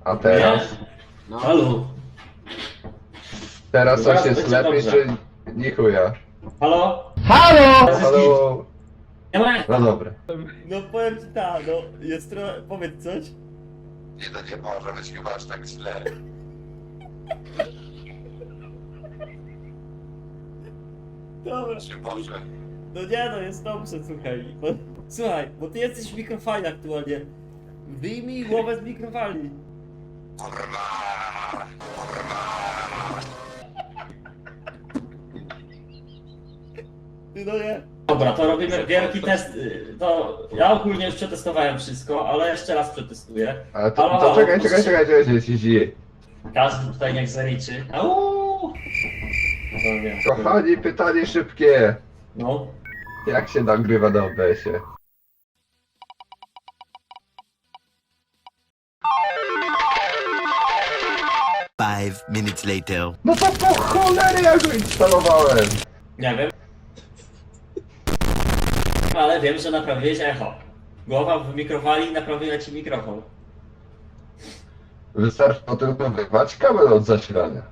A teraz? No. Halo? Teraz Zaraz coś jest będzie lepiej, dobrze. czy nie chuja? Halo? Halo? Nie ma. No dobra. No powiem ci tak, no jest trochę... Powiedz coś. Nie, to nie może być chyba aż tak źle. Dobra. Czy może? No nie no, jest dobrze, słuchaj. Słuchaj, bo ty jesteś w mikrofali aktualnie. Wyjmij głowę z mikrofali. Kurwa! Ty no nie. Dobra, to robimy wielki test. To ja ogólnie już przetestowałem wszystko, ale jeszcze raz przetestuję. Ale Halo, to halo, czekaj, proszę. ci. Każdy tutaj niech zaliczy. Auuu! No to wiem. Kochani, pytanie szybkie. No. Jak się nagrywa na OBS-ie? Five minutes later. No to po cholery ja go instalowałem! Nie wiem. Ale wiem, że naprawiłeś echo. Głowa w mikrofali i naprawiła ci mikrofon. Wystarczy to tylko wyrwać kabel od zasilania.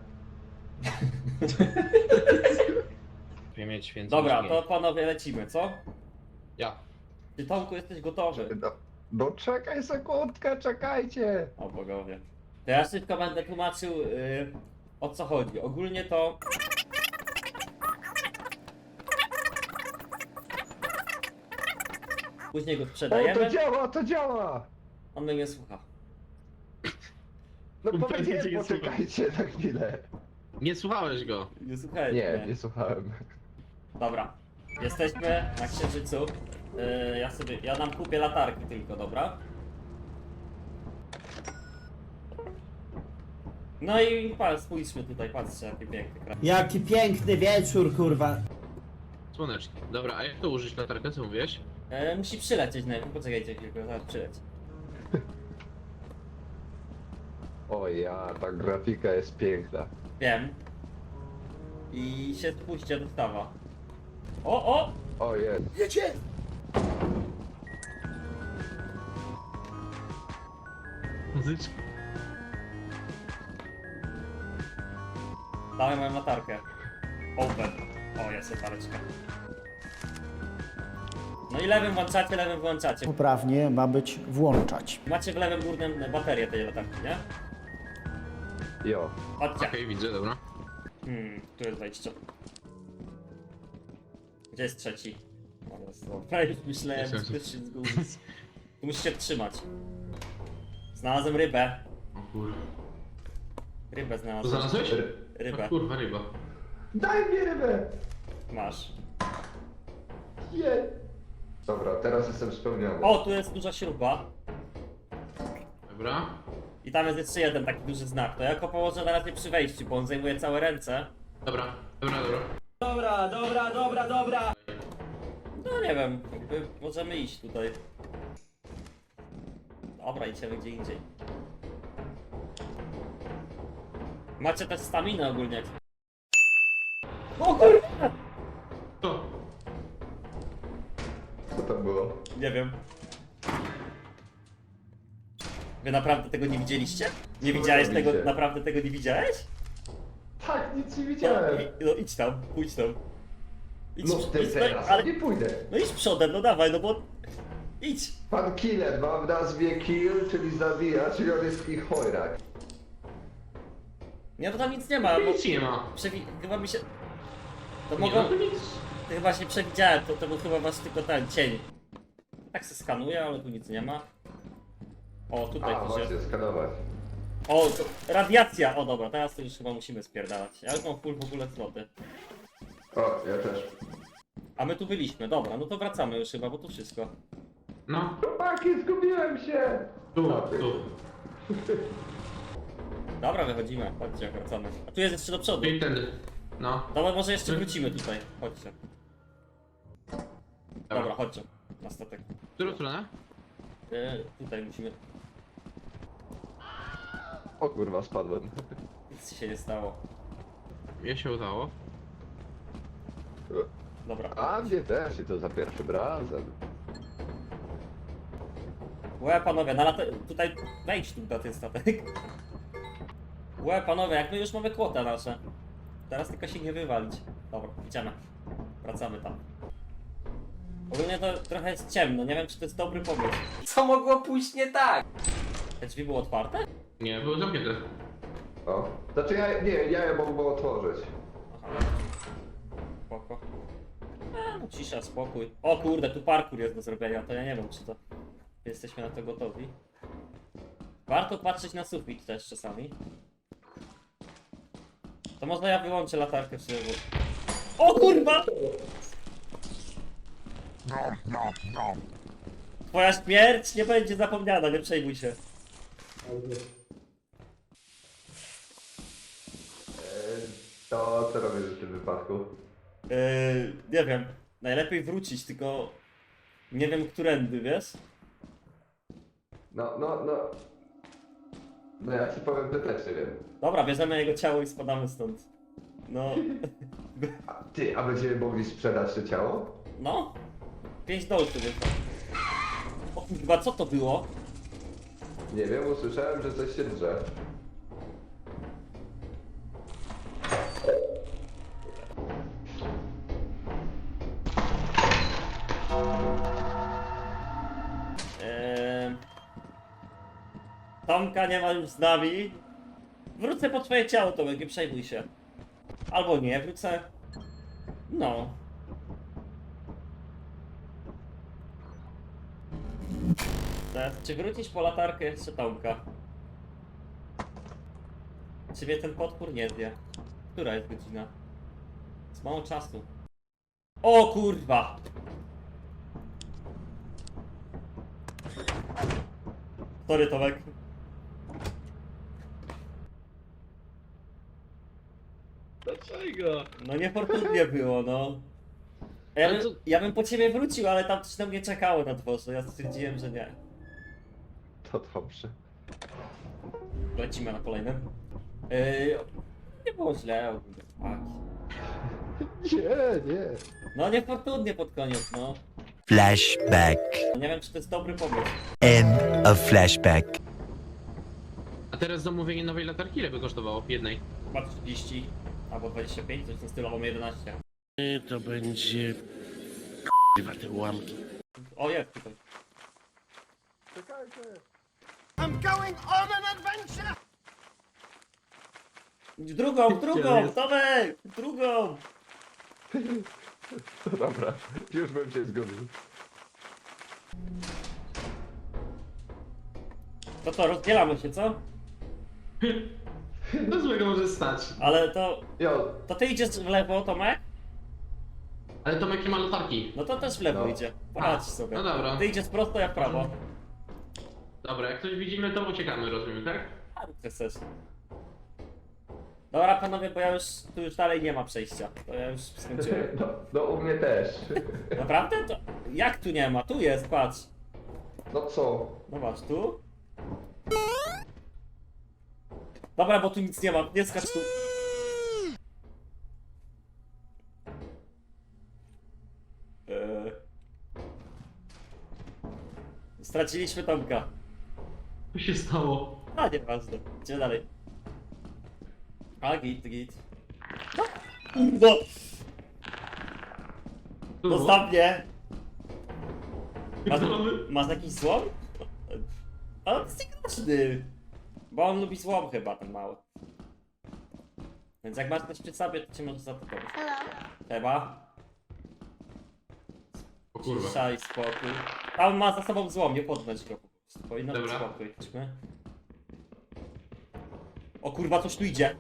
Mieć więcej Dobra, niż to panowie lecimy, co? ja. Ty Tomku jesteś gotowy? No czekaj sekundkę, czekajcie! O bogowie. To ja szybko będę tłumaczył o co chodzi. Ogólnie to... Później go O, to sprzedajemy, działa, to działa! on mnie nie słucha. No Będzie powiedziałem, nie poczekajcie na chwilę. Nie słuchałeś go. Nie słuchaj. Nie słuchałem. Dobra. Jesteśmy na Księżycu. Ja nam kupię latarki tylko, dobra? No i spójrzmy tutaj, patrzcie jaki piękny kraj. Jaki piękny wieczór, kurwa. Słoneczny. Dobra, a jak to użyć latarkę, co mówiłeś? Musi przylecieć najpierw, poczekajcie chwilkę, zaraz przyleci. O ja, ta grafika jest piękna. Wiem. I się spuśćcie dostawa. O! O jest. Muzyczka. Dałem moją latarkę. Open. O, jest latareczka. No i lewym włączacie. Poprawnie ma być włączać. Macie w lewym górnym baterię tej latarki, nie? Jo. Chodźcie. Okej, widzę, dobra. Tu jest wejście. Gdzie jest trzeci? O, jest to. Prawie już myślałem, Jestem. że ktoś się zgubić. Tu musicie trzymać. Znalazłem rybę. O kurwa. Rybę To znalazłem. znalazłeś? Rybę. O kurwa, ryba. Daj mi rybę! Masz. Nie. Dobra, teraz jestem spełniony. O, tu jest duża śruba. Dobra. I tam jest jeszcze jeden taki duży znak. To ja go położę na razie przy wejściu, bo on zajmuje całe ręce. Dobra, dobra, dobra. No nie wiem, jakby możemy iść tutaj. Dobra, idziemy gdzie indziej. Macie też staminę ogólnie. O kurwa! To. Co to było? Nie wiem. Wy naprawdę tego nie widzieliście? Nie Co widziałeś robicie? tego, naprawdę tego nie widziałeś? Tak, nic nie No, widziałem. no idź tam, pójdź tam. Idź, No ty idź, teraz ale, nie pójdę. no idź przodem, no dawaj, no bo... Idź! Pan Killer ma w nazwie kill, czyli zabija, czyli on jest ich chojrak. Nie, to tam nic nie ma, bo... Nic nie ma. Chyba mi się... To Nie mogą... ma tu nic. To chyba się przewidziałem, to był chyba wasz tylko ten cień. Tak se skanuję, ale tu nic nie ma. O, tutaj A, coś jest. właśnie, skanować. O, to radiacja! O dobra, teraz to już chyba musimy spierdalać. Ja już mam full w ogóle sloty. O, ja też. A my tu byliśmy, dobra, no to wracamy już chyba, bo tu wszystko. No, Chłopaki, zgubiłem się! tu. Dobra, wychodzimy, chodźcie, wracamy. A tu jest jeszcze do przodu. I tędy. No. Dobra, może jeszcze wrócimy tutaj, chodźcie. Dobra, chodźcie, na statek. W którą stronę? Tutaj musimy... O kurwa, spadłem. Nic się nie stało. Mnie się udało. Dobra. A mnie też i to za pierwszym razem. Łe panowie, tutaj wejdź tu na ten statek. Łe panowie, jak my już mamy kwotę nasze. Teraz tylko się nie wywalić. Dobra, idziemy. Wracamy tam. Ogólnie to trochę jest ciemno, nie wiem czy to jest dobry pomysł. Co mogło pójść nie tak? Te drzwi były otwarte? Nie, były zamknięte. O. Znaczy ja je mogę otworzyć. Aha. Spoko. No cisza, spokój. O kurde, tu parkour jest do zrobienia, to ja nie wiem czy to... Jesteśmy na to gotowi. Warto patrzeć na sufit też czasami. To może ja wyłączę latarkę w sobie. O kurwa! Twoja śmierć nie będzie zapomniana, nie przejmuj się. To co robisz w tym wypadku? Nie wiem. Najlepiej wrócić, tylko... Nie wiem którędy, wiesz? No ja ci powiem, że też nie wiem. Dobra, bierzemy jego ciało i spadamy stąd. No... A będziemy mogli sprzedać to ciało? No? 5 dolców jest. O kurwa, co to było? Nie wiem, usłyszałem, że coś się drze. Tomka nie ma już z nami. Wrócę po twoje ciało, Tomek, nie przejmuj się. Albo nie, wrócę... No. Teraz, czy wrócisz po latarkę jeszcze Tomka? Czy mnie ten potwór nie zje? Która jest godzina? Jest mało czasu. O kurwa! Sorry Tomek. Dlaczego? No niefortunnie było, no. Ale co- Ja bym po ciebie wrócił, ale tam coś na mnie czekało na dworze. Ja stwierdziłem, że nie. To dobrze. Lecimy na kolejnym. Nie było źle ogólnie. Tak. Nie. No niefortunnie pod koniec, no. Flashback. Nie wiem czy to jest dobry pomysł. End of flashback. A teraz zamówienie nowej latarki ile by kosztowało? Jednej. Chyba 30 albo 25, coś w tym stylu, albo 11. To będzie... Chyba te ułamki. O jest tutaj. Drugą, Tomek! Drugą! Dobra, już bym się zgodził. To co, rozdzielamy się, co? No złego może stać. Ale to... Jo, To ty idziesz w lewo, Tomek? Ale Tomek nie ma latarki. No to też w lewo No. idzie. Poradź sobie. No dobra. Ty idziesz prosto, ja w prawo. Dobra, jak coś widzimy, to uciekamy, rozumiem, tak? A ty chcesz. Dobra panowie, bo ja już... Tu już dalej nie ma przejścia. To ja już skończyłem. no u mnie też. Naprawdę? To... Jak tu nie ma? Tu jest, patrz. No co? Zobacz, tu. Dobra, bo tu nic nie ma. Nie skacz tu. Straciliśmy Tomka. Co się stało? A, nieważne. Idziemy dalej. A, git. No, zostaw mnie. Masz jakiś złom? Ale on jest niegroźny. Bo on lubi złom chyba, ten mały. Więc jak masz coś przy sobie, to cię może zaatakować. Chyba. O kurwa. Cisza i spokój. Tam ma za sobą złom, nie podnąć go po prostu. Powinno być Dobra. spokój. Chodźmy. O kurwa, coś tu idzie.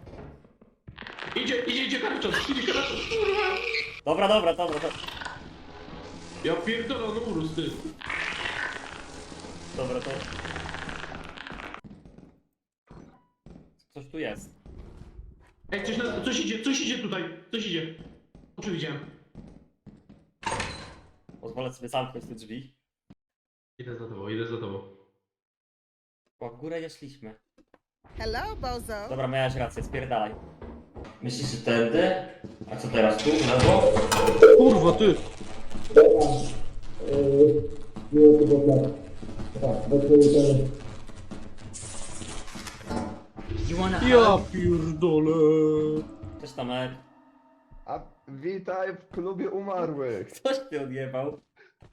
Idzie karczot, idzie karczot, kurwa! Dobra. Ja pierdolę, no urósł, ty. Dobra, to... Coś tu jest. Ej, coś idzie tutaj, coś idzie. Oczy widziałem. Pozwolę sobie zamknąć te drzwi. Idę za tobą. O, w górę nie szliśmy. Hello, Bozo. Dobra, miałeś rację, spierdalaj. Myślisz, że tędy? A co teraz, tu, w lewo? Kurwa, ty! Ja pierdolę. Cześć Tomek. A witaj w klubie umarłych. Ktoś mnie odjebał.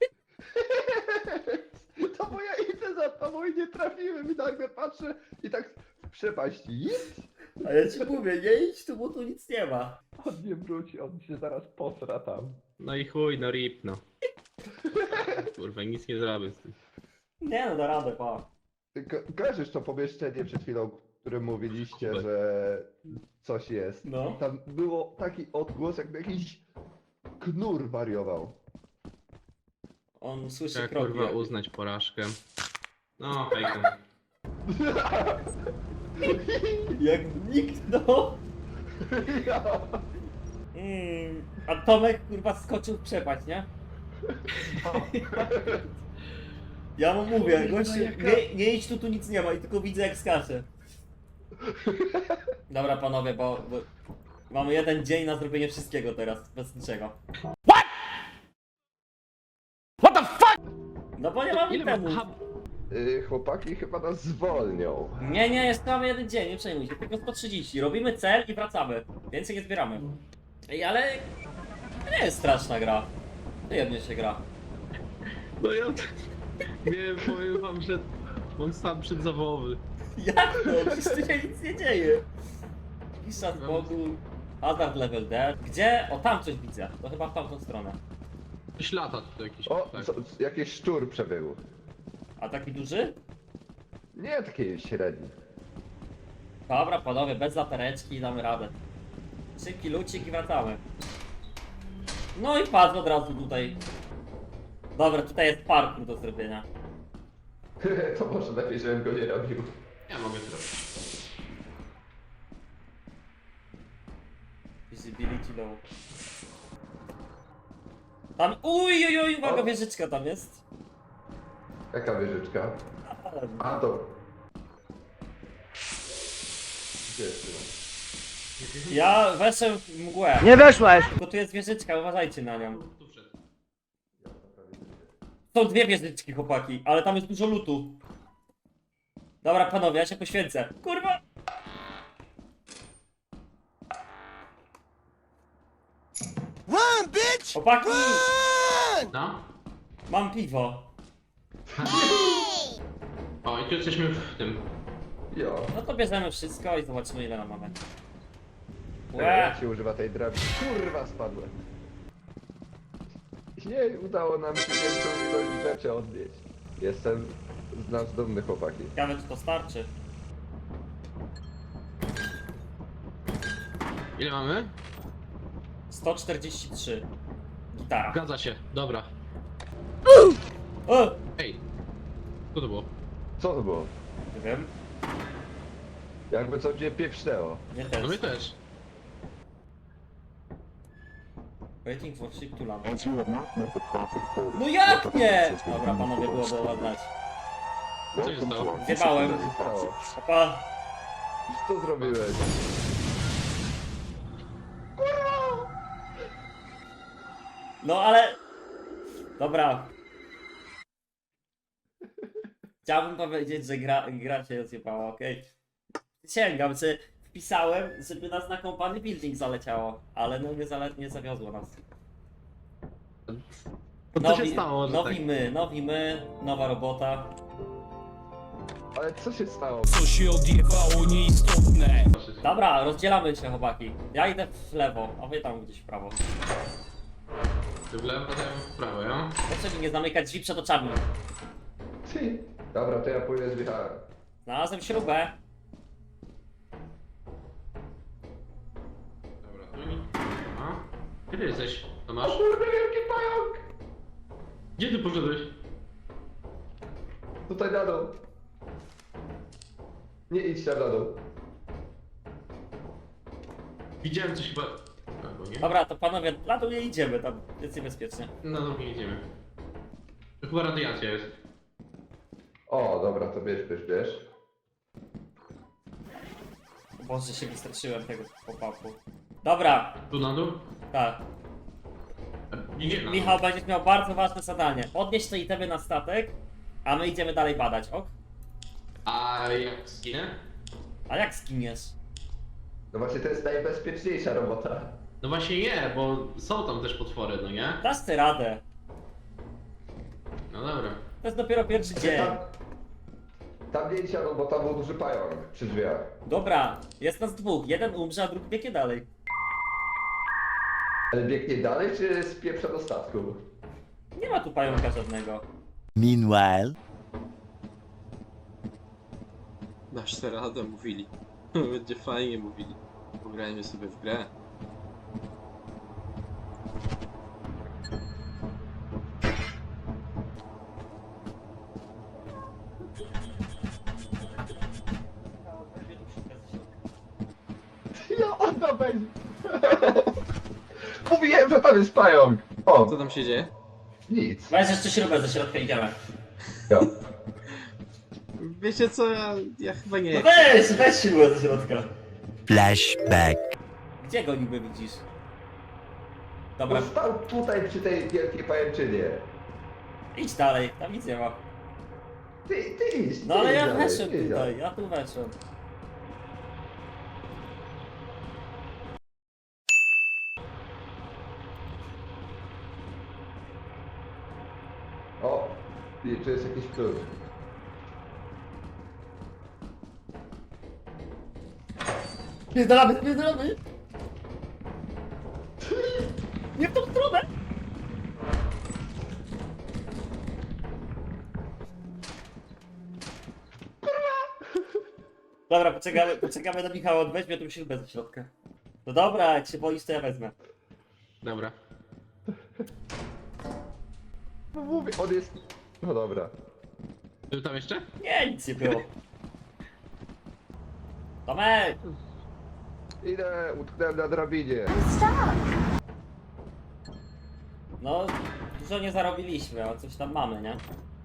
To bo ja idę za tobą i nie trafiłem i nagle patrzę i tak w przepaść. Idź! A ja ci mówię, nie idź tu, bo tu nic nie ma. On nie wróci, on się zaraz posra tam. No i chuj, no rip, no. Kurwa, nic nie zrobię z tym. Nie no, da radę, pa. Ty kojarzysz to pomieszczenie przed chwilą, o którym mówiliście, że coś jest? No. Tam było taki odgłos, jakby jakiś knur wariował. On słyszy Trzeba kroki. kurwa uznać porażkę. No, fejką. Jak zniknął. A Tomek kurwa skoczył w przepaść, nie? Ja mu mówię, gościu, nie idź tu nic nie ma i tylko widzę jak skacze. Dobra panowie, bo mamy jeden dzień na zrobienie wszystkiego teraz, bez niczego. What the fuck? No bo nie mamy Ile temu. ma... Chłopaki chyba nas zwolnią. Nie, jeszcze mamy jeden dzień, nie przejmuj się, tylko 130. Robimy cel i wracamy. Więcej nie zbieramy. Ej, ale to nie jest straszna gra. Przyjemnie się gra. No ja... Nie, powiem wam, że... Mam stan przedzawołowy. Jak to? Przecież tu się nic nie dzieje. Pisza z bogu. Hazard level D. Gdzie? O, tam coś widzę. To chyba w tamtą stronę. Coś lata tu jakiś. O, tak. jakiś szczur przebył. A taki duży? Nie taki średni. Dobra, panowie, bez latareczki damy radę. Szybki lucik i wracamy. No i patrz od razu tutaj. Dobra, tutaj jest parkour do zrobienia. To może lepiej, żebym go nie robił. Ja mogę zrobić. Visibility low. Tam, uj, uwaga, wieżyczka tam jest. Jaka wieżyczka? A to... Gdzie jest? Ja weszłem w mgłę. Nie weszłeś! Tylko tu jest wieżyczka, uważajcie na nią. Tu wszedł. Są dwie wieżyczki, chłopaki, ale tam jest dużo lutu. Dobra, panowie, ja się poświęcę. Kurwa! Run, bitch! Chłopaki! No? Mam piwo. O, i tu jesteśmy w tym. Jo. No to bierzemy wszystko i zobaczymy ile nam mamy. Jak się używa tej drabiny? Kurwa, spadłem. Nie udało nam się większą ilość rzeczy odnieść. Jestem z nas dumny, chłopaki. Ciekawe czy to starczy. Ile mamy? 143. Gitara. Zgadza się, dobra. O! Ej. Co to było? Co to było? Nie wiem. Jakby co mnie pieprznęło. Nie No też. my też. Waiting for ship to land. No jak nie? Dobra, panowie, było doładać. Co się stało? Zjebałem. Co się stało? Opa. Co zrobiłeś? No ale... Dobra. Chciałbym powiedzieć, że gra się zjebała, okej. Sięgam, czy wpisałem, żeby nas na company building zaleciało, ale no nie zawiozło nas. To co się stało, że tak? Nowi my, nowa robota. Ale co się stało? Co się odjebało nieistotne. Dobra, rozdzielamy się chłopaki. Ja idę w lewo, a wy tam gdzieś w prawo. Ty w lewo, to ja w prawo, ja? Proszę mi nie zamykać drzwi przed oczami. Ty. Dobra, to ja pójdę z Michałem. Znalazłem śrubę. Dobra, tu nie. A? Gdzie ty jesteś, Tomasz? Kurde, wielki pająk! Gdzie ty poszedłeś? Tutaj na dół. Nie idź tam na dół. Widziałem coś chyba... Albo nie? Dobra, to panowie, na dół nie idziemy, tam jest niebezpiecznie. No dobra, nie idziemy. To chyba radiacja jest. O, dobra, to bierz. Boże, się wystraszyłem tego pop-upu. Dobra, Tu na dół? tak. Nie, na dół. Michał, będziesz miał bardzo ważne zadanie. Odnieść te itemy na statek, A my idziemy dalej badać, ok? A jak zginę? A jak skiniesz? No właśnie to jest najbezpieczniejsza robota. No właśnie nie, bo są tam też potwory, no nie? Dasz ty radę. No dobra. To jest dopiero pierwszy dzień. Tam nie siadą, bo tam był duży pająk przy drzwiach. Dobra, jest nas dwóch. Jeden umrze, a drugi biegnie dalej. Ale biegnie dalej, czy spieprza do statku? Nie ma tu pająka żadnego. Meanwhile. Dasz tę radę, mówili. Będzie fajnie, mówili. Pograjmy sobie w grę. Ja ona będzie. Mówiłem, że tam jest pająk. O, Co tam się dzieje? nic. Weź jeszcze śrubę ze środka, idziemy. Ja. Wiecie co, ja chyba nie. No weź śrubę ze środka. Flashback. Gdzie go niby widzisz? Bo Dobra, stał tutaj przy tej wielkiej pajęczynie. idź dalej, tam nic nie ma. Ty idź. No ty ale idź ja dalej, weszłem ty idź dalej. tutaj, ja tu weszłem. O, i tu jest jakiś klucz. Spierdalamy! Nie w tą stronę! Dobra, poczekamy na Michała, on weźmie tą śrubę ze środka. No dobra, jak się boisz, to ja wezmę. Dobra. No mówię, on jest... No dobra. Był tam jeszcze? Nie, nic nie było. Tomek! Idę, utknąłem na drabinie. No, dużo nie zarobiliśmy, ale coś tam mamy, nie?